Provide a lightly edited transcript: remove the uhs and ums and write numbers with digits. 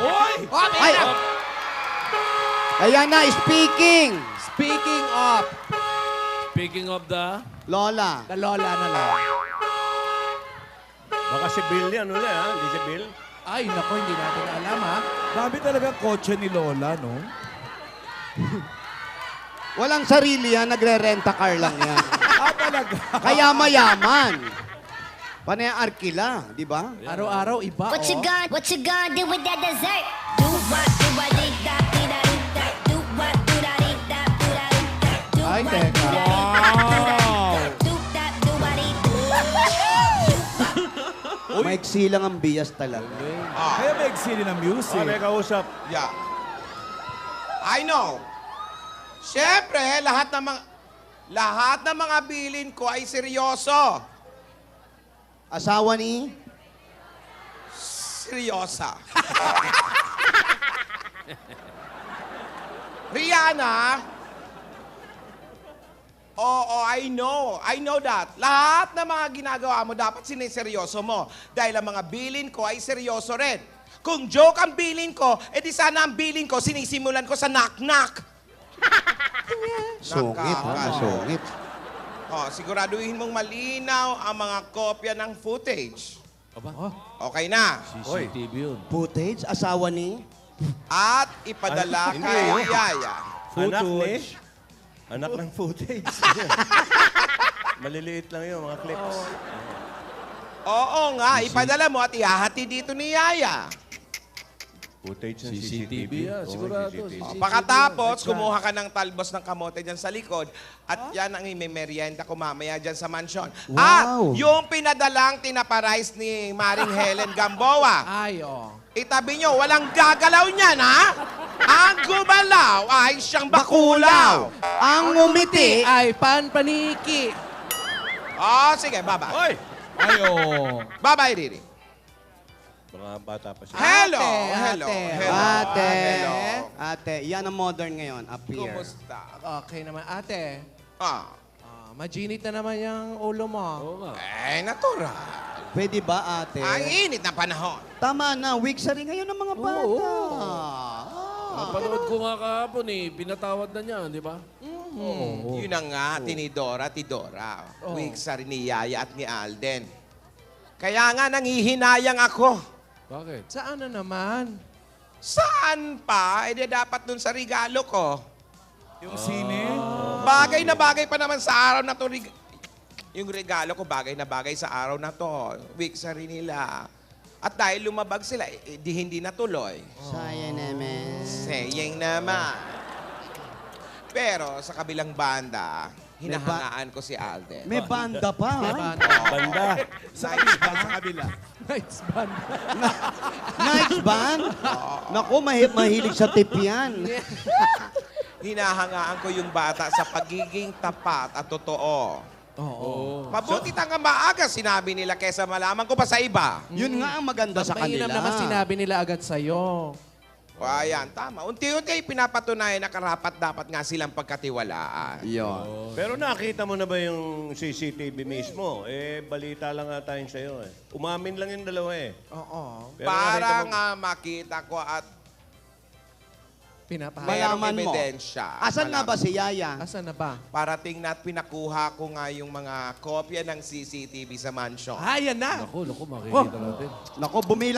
Uy! Ay! Ayan na, speaking. Speaking of, Speaking of the... Lola. the Lola na lang. Baka si Bill yan ulit, ha? Hindi si Bill? Ay, naku, hindi natin alam, ha? Dami talaga kotse ni Lola, no? Walang sarili yan, nagre-renta car lang yan. Talaga. Kaya mayaman. Panay arkila, di ba? Araw-araw, iba, What you oh. gonna do with that dessert? Do what, do what, dee da, dee da, dee da. Do what, do da, dee da, do da, dee da. Do Ay, what, teka. do da, dee da, do da, dee da. Do that, do what, dee da. Maiksi lang ang bias talaga. Kaya may eksili ng music. May kausap. Yeah. I know. Siyempre, lahat ng mga bilin ko ay seryoso. Asawa ni? Seryosa. Rihanna, oo, I know. I know that. Lahat ng mga ginagawa mo, dapat siniseryoso mo. Dahil ang mga bilin ko ay seryoso rin. Kung joke ang bilin ko, edi sana ang bilin ko, sinisimulan ko sa knock-knock. Sungit, ha? Masungit. Oh, siguraduhin mong malinaw ang mga kopya ng footage. Okay na. CCTV yun. Footage, asawa ni? At ipadala Hindi, kay oh. Yaya. Anak ni? Anak ng footage. Maliliit lang yun, mga clips. Oo nga, ipadala mo at ihahati dito ni Yaya. Footage ng CCTV yan, Oo, sigurado. CCTV. Pagkatapos, kumuha ka ng talbos ng kamote dyan sa likod at yan ang imemerienda ko mamaya dyan sa mansyon. Wow. At yung pinadalang tinaparice ni Maring Helen Gamboa, Ay, oh. itabi nyo, walang gagalaw niyan, ha? Ang gumalaw ay siyang bakulaw. Ang ngumiti. Ay, paniki. Oh, sige, bye-bye. Hoy! Ay, oh. Bye-bye, Riri. Mga bata pa siya. Hello, Ate, hello, ate. hello. Ate. Hello. Ate, yan ang modern ngayon. Appear. Kumusta? Okay naman, ate. Ah, Majinit na naman yung ulo mo. Oo nga. natural. Pwede ba, ate? Ang init na panahon. Tama na, weak sa rin ngayon ng mga bata. Napanood ko nga kahapon eh. Pinatawad na niya, di ba? Yun ang nga, tinidora, tidora. Week sa rin ni Yaya at ni Alden. Kaya nga, nangihinayang ako. Bakit? Saan na naman? Saan pa? Eh, di dapat dun sa regalo ko. Yung sine? Bagay na bagay pa naman sa araw na to. Yung regalo ko, bagay na bagay sa araw na to. Week sa rin nila. At dahil lumabag sila, di hindi natuloy. Sayang naman. Sayang naman. Pero sa kabilang banda, hinahangaan ko si Alden. May banda pa, ha? Banda. Sa kabila. Nice band. Nice band? Naku, mahilig sa tip yan. Hinahangaan ko yung bata sa pagiging tapat at totoo. Oo. Mabuti tanga maaga, sinabi nila, kesa malaman ko pa sa iba. Yun nga ang maganda sa Mainam kanila. naman sinabi nila agad sa'yo. O ayan, tama. Unti-unti pinapatunayan na karapat dapat nga silang pagkatiwalaan. Yun. Pero nakita mo na ba yung CCTV mismo? Eh, balita lang nga tayo sa'yo eh. Umamin lang yung dalawa eh. Oo. Pero Para nakita mo- nga makita ko at Pinapahaya. mayroong Malaman mo. ebidensya. Asan na ba si Yaya? Asan na ba? Parating na at pinakuha ko nga yung mga kopya ng CCTV sa mansion. Ah, yan na. Naku, makikita natin. Naku, bumili